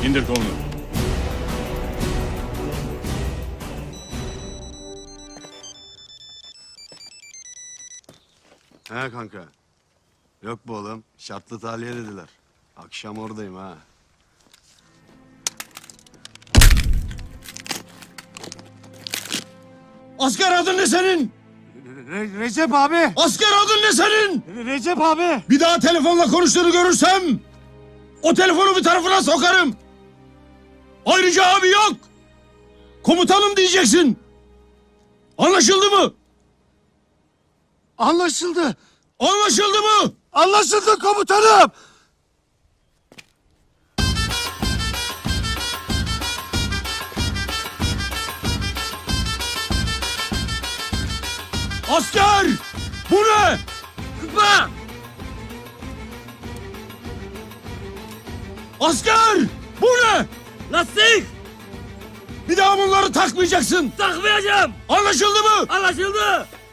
İndir kolunu. He kanka. Yok bu oğlum. Şartlı tahliye dediler. Akşam oradayım ha. Asker adın ne senin? Recep abi. Asker adın ne senin? Recep abi. Bir daha telefonla konuştuğunu görürsem o telefonu bir tarafına sokarım. Ayrıca abi yok. Komutanım diyeceksin. Anlaşıldı mı? Anlaşıldı. Anlaşıldı mı? Anlaşıldı komutanım. Asker! Bu ne? Kıpma! Asker! Bu ne? Lastik! Bir daha bunları takmayacaksın. Takmayacağım! Anlaşıldı mı? Anlaşıldı!